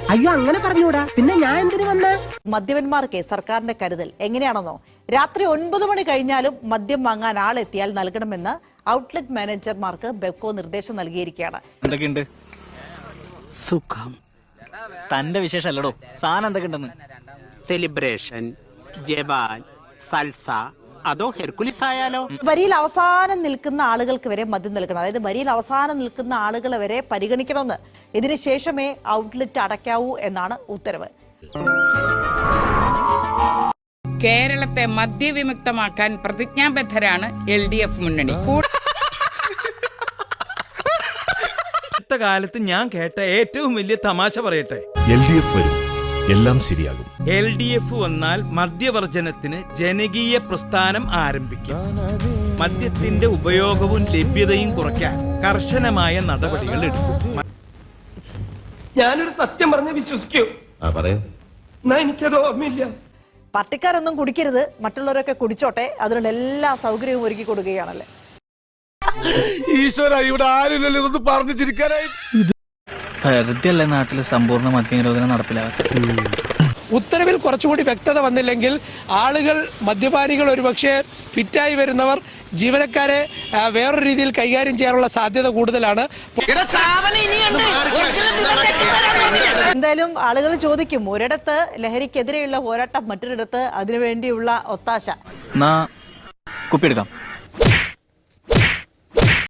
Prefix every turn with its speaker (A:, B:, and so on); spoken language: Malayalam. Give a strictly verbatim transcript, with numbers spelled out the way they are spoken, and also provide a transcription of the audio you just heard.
A: അയ്യോ അങ്ങനെ പറഞ്ഞൂടാ, പിന്നെ ഞാൻ എന്തിനു വന്ന?
B: മദ്യപന്മാർക്ക് സർക്കാരിന്റെ കരുതൽ എങ്ങനെയാണെന്നോ, രാത്രി ഒൻപത് മണി കഴിഞ്ഞാലും മദ്യം വാങ്ങാൻ ആളെത്തിയാൽ നൽകണമെന്ന് ഔട്ട്ലെറ്റ് മാനേജർമാർക്ക് ബെപ്കോ നിർദ്ദേശം നൽകിയിരിക്കുകയാണ്.
C: എന്തൊക്കെയുണ്ട്?
D: സുഖം.
C: തന്റെ വിശേഷം അല്ലടോ, സാധനം എന്തൊക്കെയുണ്ടെന്ന്?
D: സെലിബ്രേഷൻ, ജവാൻ, സൽസ, അതോ ഹെർക്കുലിസ് ആയാലോ?
B: വരിയിൽ അവസാനം നിൽക്കുന്ന ആളുകൾക്ക് വരെ മദ്യം നൽകണം. അതായത് വരിയിൽ അവസാനം നിൽക്കുന്ന ആളുകളെ വരെ പരിഗണിക്കണമെന്ന്, ഇതിനു ശേഷമേ ഔട്ട്ലെറ്റ് അടയ്ക്കാവൂ എന്നാണ് ഉത്തരവ്.
E: കേരളത്തെ മദ്യവിമുക്തമാക്കാൻ പ്രതിജ്ഞാബദ്ധരാണ് എൽ ഡി എഫ് മുന്നണി.
F: അടുത്ത കാലത്ത് ഞാൻ കേട്ട ഏറ്റവും വലിയ തമാശ പറയട്ടെ.
G: എൽ ഡി എഫ് വരും, എല്ലാം ശരിയാകും.
F: എൽ ഡി എഫ് വന്നാൽ മദ്യവർജനത്തിന് ജനകീയ പ്രസ്ഥാനം ആരംഭിക്കും. മദ്യത്തിന്റെ ഉപയോഗവും ലഭ്യതയും കുറയ്ക്കാൻ കർശനമായ നടപടികൾ എടുക്കും.
A: ഞാനൊരു സത്യം പറഞ്ഞ് വിശ്വസിക്കൂ? എന്നാ എനിക്കത് ഓർമ്മയില്ല.
B: പാർട്ടിക്കാരൊന്നും കുടിക്കരുത്, മറ്റുള്ളവരൊക്കെ കുടിച്ചോട്ടെ, അതിനുള്ള എല്ലാ സൗകര്യവും ഒരുക്കി കൊടുക്കുകയാണല്ലേ.
G: ഈശ്വര, ഇവിടെ ആരുമില്ലല്ലോ ഇതൊന്ന് പറഞ്ഞു ചിരിക്കാനായി.
C: വെറുതെ അല്ലേ നാട്ടിൽ സമ്പൂർണ്ണ മദ്യനിരോധനം നടപ്പിലാകട്ടെ.
H: ഉത്തരവിൽ കുറച്ചുകൂടി വ്യക്തത വന്നില്ലെങ്കിൽ ആളുകൾ, മദ്യപാനികൾ, ഒരുപക്ഷെ ഫിറ്റായി വരുന്നവർ ജീവനക്കാരെ വേറൊരു രീതിയിൽ കൈകാര്യം ചെയ്യാനുള്ള സാധ്യത കൂടുതലാണ്.
B: എന്തായാലും ആളുകൾ ചോദിക്കും, ഒരിടത്ത് ലഹരിക്കെതിരെയുള്ള പോരാട്ടം, മറ്റൊരിടത്ത് അതിനുവേണ്ടിയുള്ള ഒത്താശ.
C: കുപ്പിയെടുക്കാം.